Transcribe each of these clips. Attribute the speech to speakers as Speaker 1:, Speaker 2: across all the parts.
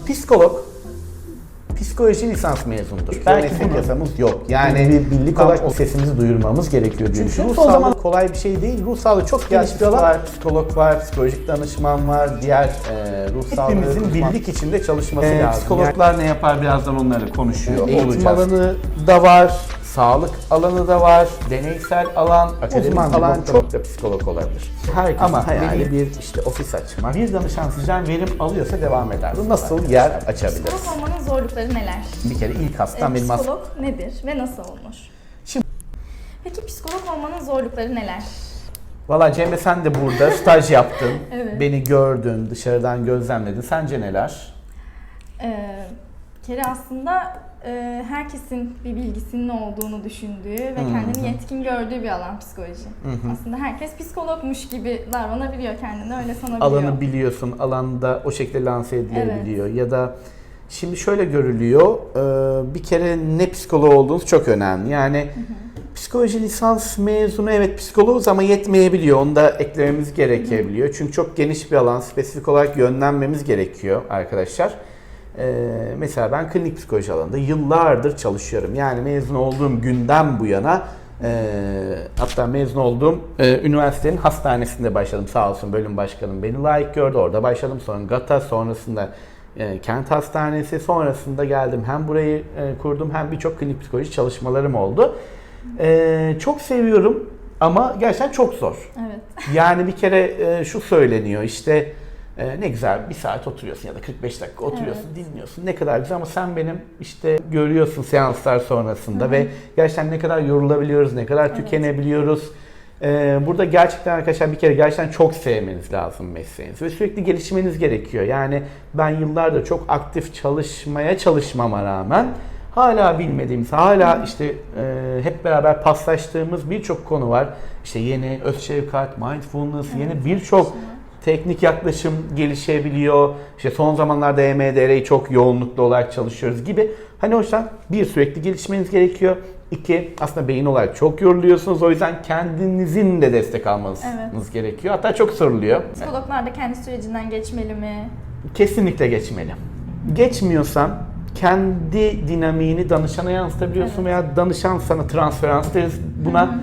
Speaker 1: Psikolog, psikoloji lisans mezunudur. Belki bir yasamız yok. Yani bir birlik olarak o sesimizi duyurmamız gerekiyor diye düşünüyorum. Son zaman kolay bir şey değil. Ruh sağlığı çok geniş bir alan. Var, psikolog var, psikolojik danışman var, diğer ruh sağlığı. Hepimizin birlik içinde çalışması lazım. Psikologlar ne yapar birazdan onları konuşuyor. Eğitim alanı da var, sağlık alanı da var, deneysel alan, akademik alan çok da psikolog olabilir. Herkesin hayali bir işte ofis açmak. Bir danışan sizden verim alıyorsa devam eder. Nasıl yer açabiliriz?
Speaker 2: Psikolog olmanın zorlukları neler?
Speaker 1: Bir kere ilk hastam benim
Speaker 2: Psikolog nedir ve nasıl olunur? Peki psikolog olmanın zorlukları neler?
Speaker 1: Valla Cemre sen de burada staj yaptın,
Speaker 2: Evet.
Speaker 1: beni gördün, dışarıdan gözlemledin. Sence neler?
Speaker 2: Bir kere aslında herkesin bir bilgisinin olduğunu düşündüğü ve kendini yetkin gördüğü bir alan psikoloji. Aslında herkes psikologmuş gibi davranabiliyor, kendini öyle sanabiliyor.
Speaker 1: Alanı biliyorsun, alanda o şekilde lanse edilebiliyor. Ya da şimdi şöyle görülüyor, bir kere ne psikoloğu olduğunuz çok önemli. Yani psikoloji lisans mezunu evet psikoloğuz ama yetmeyebiliyor. Onu da eklememiz gerekebiliyor. Çünkü çok geniş bir alan, spesifik olarak yönlenmemiz gerekiyor arkadaşlar. Mesela ben klinik psikoloji alanında yıllardır çalışıyorum. Yani mezun olduğum günden bu yana hatta mezun olduğum üniversitenin hastanesinde başladım. Sağ olsun bölüm başkanım beni layık gördü. Orada başladım. Sonra GATA, sonrasında Kent Hastanesi, sonrasında geldim. Hem burayı kurdum hem birçok klinik psikoloji çalışmalarım oldu. Çok seviyorum ama gerçekten çok zor.
Speaker 2: Evet.
Speaker 1: Yani bir kere şu söyleniyor işte ne güzel bir saat oturuyorsun ya da 45 dakika oturuyorsun, dinliyorsun. Ne kadar güzel ama sen benim işte görüyorsun seanslar sonrasında ve gerçekten ne kadar yorulabiliyoruz, ne kadar tükenebiliyoruz. Burada gerçekten arkadaşlar bir kere gerçekten çok sevmeniz lazım mesleğinizi ve sürekli gelişmeniz gerekiyor. Yani ben yıllardır çok aktif çalışmama rağmen hala bilmediğimiz, hala işte hep beraber paslaştığımız birçok konu var. İşte yeni öz şefkat, mindfulness, yeni birçok teknik yaklaşım gelişebiliyor. İşte son zamanlarda EMDR'yi çok yoğunluklu olarak çalışıyoruz gibi. Hani o yüzden bir sürekli gelişmeniz gerekiyor. İki aslında beyin olarak çok yoruluyorsunuz. O yüzden kendinizin de destek almanız gerekiyor. Hatta çok soruluyor.
Speaker 2: Psikologlar da kendi sürecinden geçmeli mi?
Speaker 1: Kesinlikle geçmeli. Geçmiyorsan kendi dinamiğini danışana yansıtabiliyorsun veya danışan sana transferans deriz buna.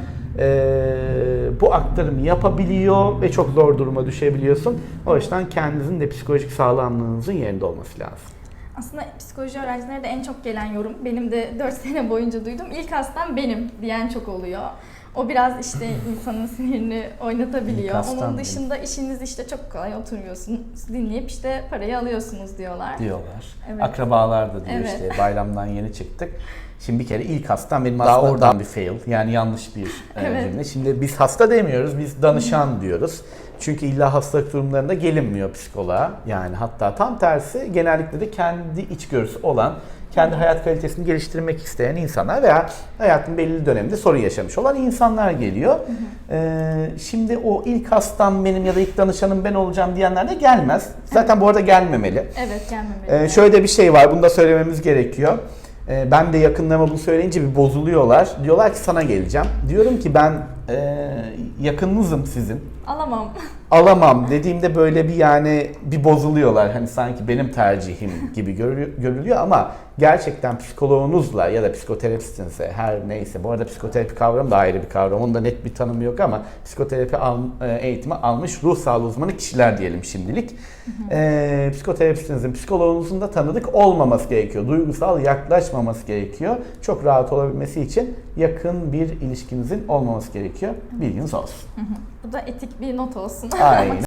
Speaker 1: Bu aktarımı yapabiliyor ve çok zor duruma düşebiliyorsun. O yüzden kendinizin de psikolojik sağlamlığınızın yerinde olması lazım.
Speaker 2: Aslında psikoloji öğrencilerine de en çok gelen yorum, benim de 4 sene boyunca duydum, ilk hastam benim diyen çok oluyor. O biraz işte insanın sinirini oynatabiliyor. Onun dışında işiniz işte çok kolay, oturuyorsunuz, dinleyip işte parayı alıyorsunuz diyorlar.
Speaker 1: Evet. Akrabalar da diyor işte bayramdan yeni çıktık. Şimdi bir kere ilk hastam benim aslında daha oradan bir fail. Yani yanlış bir cümle. Şimdi biz hasta demiyoruz, biz danışan diyoruz. Çünkü illa hastalık durumlarında gelinmiyor psikoloğa. Yani hatta tam tersi genellikle de kendi içgörüsü olan, kendi hayat kalitesini geliştirmek isteyen insanlar veya hayatın belli döneminde sorun yaşamış olan insanlar geliyor. Şimdi o ilk hastam benim ya da ilk danışanım ben olacağım diyenler de gelmez. Zaten bu arada gelmemeli.
Speaker 2: Evet, gelmemeli.
Speaker 1: Şöyle bir şey var, bunu da söylememiz gerekiyor. Ben de yakınlarıma bunu söyleyince bir bozuluyorlar. Diyorlar ki sana geleceğim. Diyorum ki ben yakınınızım sizin. Alamam dediğimde böyle bir yani bir bozuluyorlar. Hani sanki benim tercihim gibi görülüyor ama gerçekten psikoloğunuzla ya da psikoterapistinizle her neyse. Bu arada psikoterapi kavramı da ayrı bir kavram. Onun da net bir tanımı yok ama psikoterapi eğitimi almış ruh sağlığı uzmanı kişiler diyelim şimdilik. Psikoterapistinizin, psikoloğunuzun da tanıdık olmaması gerekiyor. Duygusal yaklaşmaması gerekiyor. Çok rahat olabilmesi için yakın bir ilişkinizin olmaması gerekiyor. Bilginiz olsun.
Speaker 2: Bu da etik bir not olsun.
Speaker 1: Aynen.